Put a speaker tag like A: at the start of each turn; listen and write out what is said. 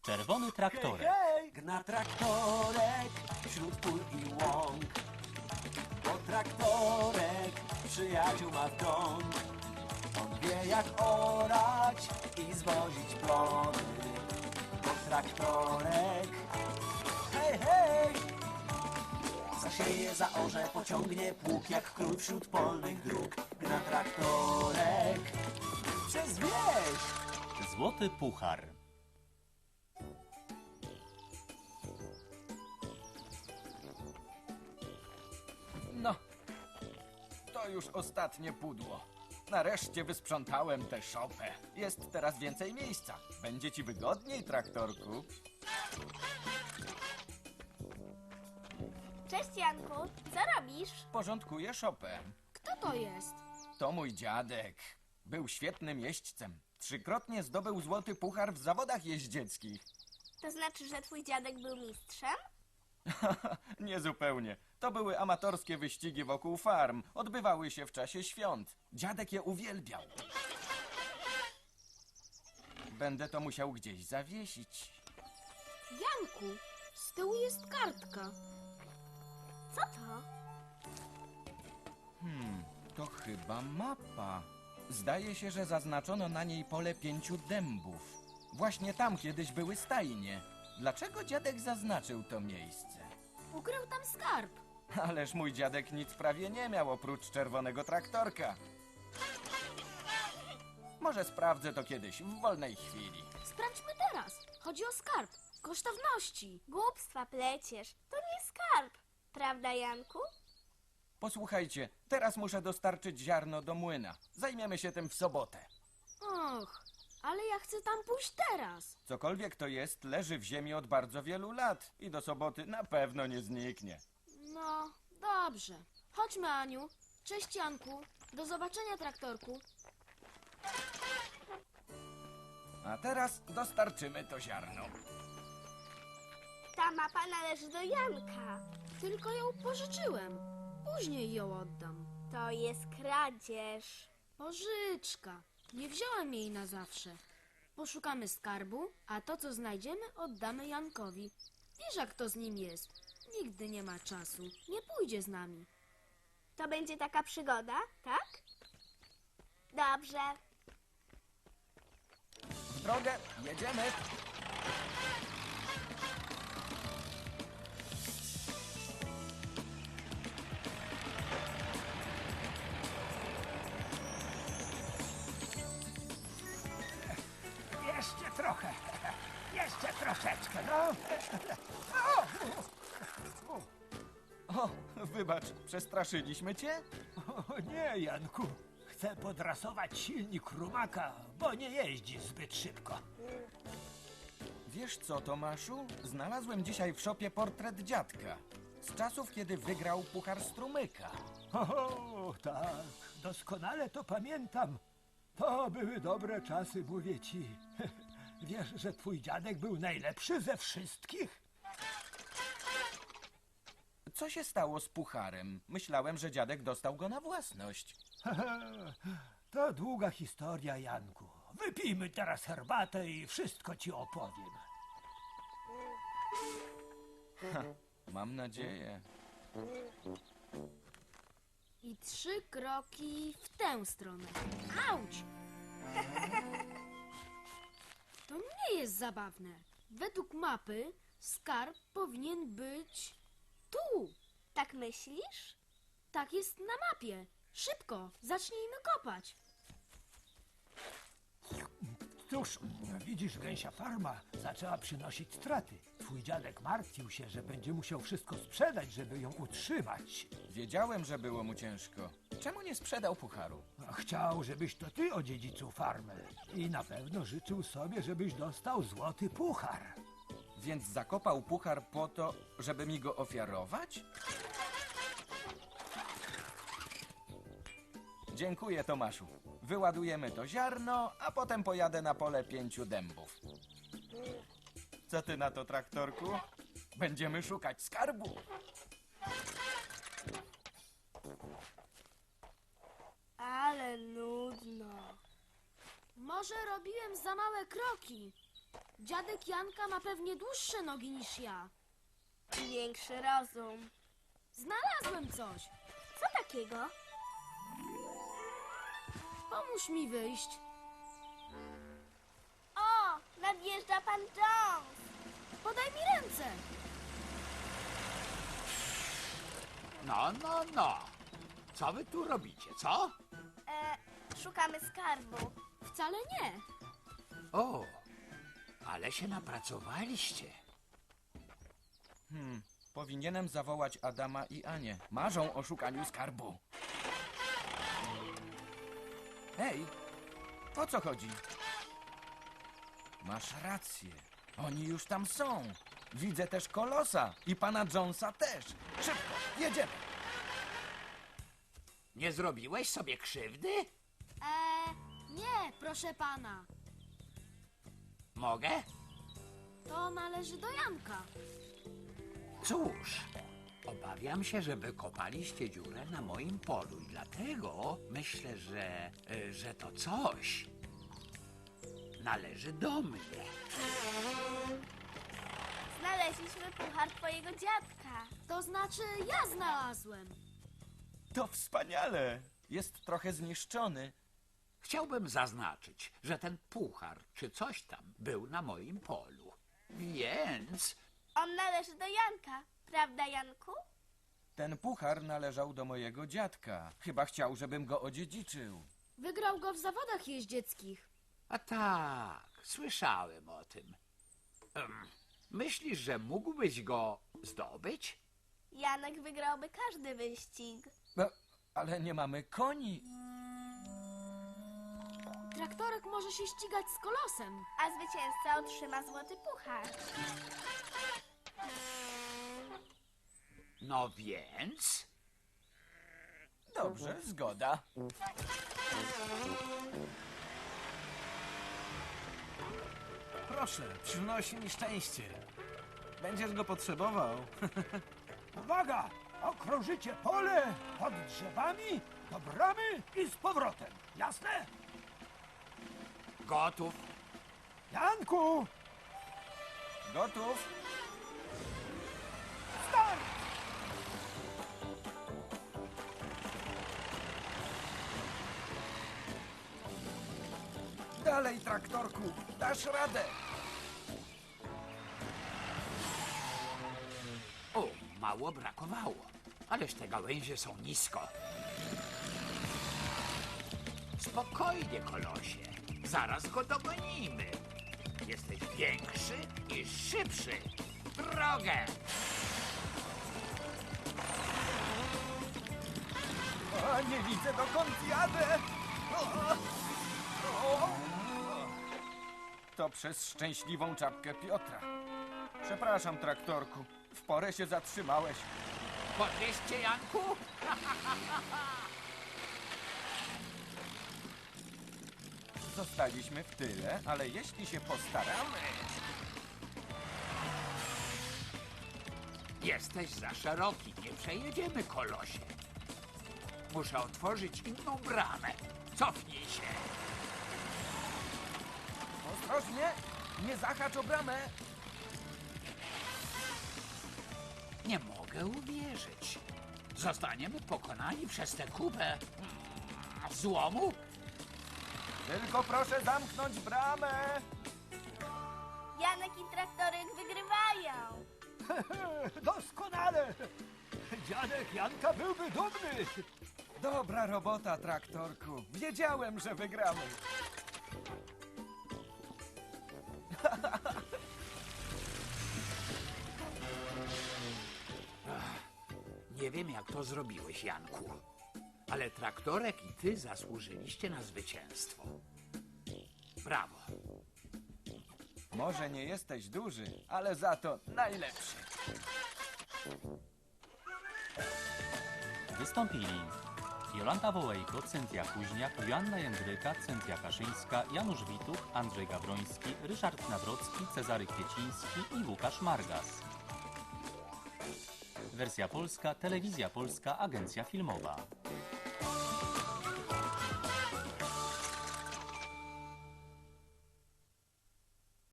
A: Czerwony traktorek.
B: Hej, gna traktorek wśród pól i łąk. Bo traktorek przyjaciół ma w dom. On wie jak orać i zwozić plony. Bo traktorek, hej, hej, zasieje, zaorze, pociągnie pług jak król wśród polnych dróg. Gna traktorek przez wieś.
A: Złoty puchar.
C: No, to już ostatnie pudło. Nareszcie wysprzątałem tę szopę. Jest teraz więcej miejsca. Będzie ci wygodniej, traktorku.
D: Cześć, Janku. Co robisz?
C: Porządkuję szopę.
E: Kto to jest?
C: To mój dziadek. Był świetnym jeźdźcem. 3-krotnie zdobył złoty puchar w zawodach jeździeckich.
D: To znaczy, że twój dziadek był mistrzem?
C: Niezupełnie. To były amatorskie wyścigi wokół farm. Odbywały się w czasie świąt. Dziadek je uwielbiał. Będę to musiał gdzieś zawiesić.
E: Janku, z tyłu jest kartka.
D: Co to?
C: To chyba mapa. Zdaje się, że zaznaczono na niej pole 5 dębów. Właśnie tam kiedyś były stajnie. Dlaczego dziadek zaznaczył to miejsce?
E: Ukrył tam skarb.
C: Ależ mój dziadek nic prawie nie miał oprócz czerwonego traktorka. Może sprawdzę to kiedyś, w wolnej chwili.
E: Sprawdźmy teraz. Chodzi o skarb. Kosztowności.
D: Głupstwa pleciesz. To nie skarb. Prawda, Janku?
C: Posłuchajcie, teraz muszę dostarczyć ziarno do młyna. Zajmiemy się tym w sobotę.
E: Och, ale ja chcę tam pójść teraz.
C: Cokolwiek to jest, leży w ziemi od bardzo wielu lat i do soboty na pewno nie zniknie.
E: No, dobrze. Chodźmy, Aniu. Cześć, Janku. Do zobaczenia, traktorku.
C: A teraz dostarczymy to ziarno.
D: Ta mapa należy do Janka.
E: Tylko ją pożyczyłem. Później ją oddam.
D: To jest kradzież.
E: Pożyczka. Nie wziąłem jej na zawsze. Poszukamy skarbu, a to, co znajdziemy, oddamy Jankowi. Wiesz, jak to z nim jest. Nigdy nie ma czasu. Nie pójdzie z nami.
D: To będzie taka przygoda, tak? Dobrze.
C: W drogę, jedziemy.
B: Jeszcze trochę. Jeszcze troszeczkę, no.
C: O, wybacz, przestraszyliśmy cię?
B: O nie, Janku. Chcę podrasować silnik rumaka, bo nie jeździ zbyt szybko.
C: Wiesz co, Tomaszu? Znalazłem dzisiaj w szopie portret dziadka. Z czasów, kiedy wygrał puchar strumyka.
B: O, tak, doskonale to pamiętam. To były dobre czasy, mówię ci. Wiesz, że twój dziadek był najlepszy ze wszystkich?
C: Co się stało z pucharem? Myślałem, że dziadek dostał go na własność.
B: To długa historia, Janku. Wypijmy teraz herbatę i wszystko ci opowiem.
C: Mam nadzieję.
E: I 3 kroki w tę stronę. Auć! To nie jest zabawne. Według mapy skarb powinien być tu.
D: Tak myślisz?
E: Tak jest na mapie. Szybko, zacznijmy kopać.
B: Cóż, widzisz, gęsia farma zaczęła przynosić straty. Twój dziadek martwił się, że będzie musiał wszystko sprzedać, żeby ją utrzymać.
C: Wiedziałem, że było mu ciężko. Czemu nie sprzedał pucharu?
B: Chciał, żebyś to ty odziedziczył farmę. I na pewno życzył sobie, żebyś dostał złoty puchar.
C: Więc zakopał puchar po to, żeby mi go ofiarować? Dziękuję, Tomaszu. Wyładujemy to ziarno, a potem pojadę na pole 5 dębów. Co ty na to, traktorku? Będziemy szukać skarbu.
D: Ale nudno.
E: Może robiłem za małe kroki. Dziadek Janka ma pewnie dłuższe nogi niż ja.
D: I większy rozum.
E: Znalazłem coś.
D: Co takiego?
E: Pomóż mi wyjść.
D: O, nadjeżdża pan Jones.
E: Podaj mi ręce.
F: No. Co wy tu robicie, co?
D: Szukamy skarbu.
E: Wcale nie.
F: O, ale się napracowaliście.
C: Powinienem zawołać Adama i Anię. Marzą o szukaniu skarbu. Hej, o co chodzi? Masz rację. Oni już tam są. Widzę też Kolosa i pana Jonesa też. Szybko, jedziemy.
F: Nie zrobiłeś sobie krzywdy?
E: Nie, proszę pana.
F: Mogę?
E: To należy do Janka.
F: Cóż, obawiam się, że wykopaliście dziurę na moim polu i dlatego myślę, że to coś należy do mnie.
D: Znaleźliśmy puchar twojego dziadka.
E: To znaczy, ja znalazłem.
C: To wspaniale. Jest trochę zniszczony.
F: Chciałbym zaznaczyć, że ten puchar czy coś tam był na moim polu. Więc
D: On należy do Janka. Prawda, Janku?
C: Ten puchar należał do mojego dziadka. Chyba chciał, żebym go odziedziczył.
E: Wygrał go w zawodach jeździeckich.
F: A tak, słyszałem o tym. Myślisz, że mógłbyś go zdobyć?
D: Janek wygrałby każdy wyścig.
C: No, ale nie mamy koni.
E: Traktorek może się ścigać z Kolosem.
D: A zwycięzca otrzyma złoty puchar.
F: No więc...
C: Dobrze, zgoda.
G: Proszę, przynosi mi szczęście. Będziesz go potrzebował.
B: Uwaga! Okrążycie pole pod drzewami, do bramy i z powrotem. Jasne?
F: Gotów?
B: Janku!
C: Gotów?
B: Start!
C: Dalej, traktorku, dasz radę.
F: O, mało brakowało. Ależ te gałęzie są nisko. Spokojnie, Kolosie. Zaraz go dogonimy. Jesteś większy i szybszy. Drogę!
C: O, nie widzę, dokąd jadę. To przez szczęśliwą czapkę Piotra. Przepraszam, traktorku. W porę się zatrzymałeś.
F: Podwieźcie, Janku?
C: Zostaliśmy w tyle, ale jeśli się postaramy...
F: Jesteś za szeroki. Nie przejedziemy, Kolosie. Muszę otworzyć inną bramę. Cofnij się.
C: Ostrożnie, nie zahacz o bramę.
F: Nie mogę uwierzyć. Zostaniemy pokonani przez tę kupę złomu?
C: Tylko proszę zamknąć bramę.
D: Janek i traktorek wygrywają.
B: Doskonale! Dziadek Janka byłby dumny.
C: Dobra robota, traktorku. Wiedziałem, że wygramy.
F: Nie wiem, jak to zrobiłeś, Janku. Ale traktorek i ty zasłużyliście na zwycięstwo. Brawo.
C: Może nie jesteś duży, ale za to najlepszy.
A: Wystąpili Jolanta Wołejko, Cynthia Kuźniak, Joanna Jędryka, Cynthia Kaszyńska, Janusz Wituch, Andrzej Gawroński, Ryszard Nawrocki, Cezary Kwieciński i Łukasz Margas. Wersja polska, Telewizja Polska, Agencja Filmowa.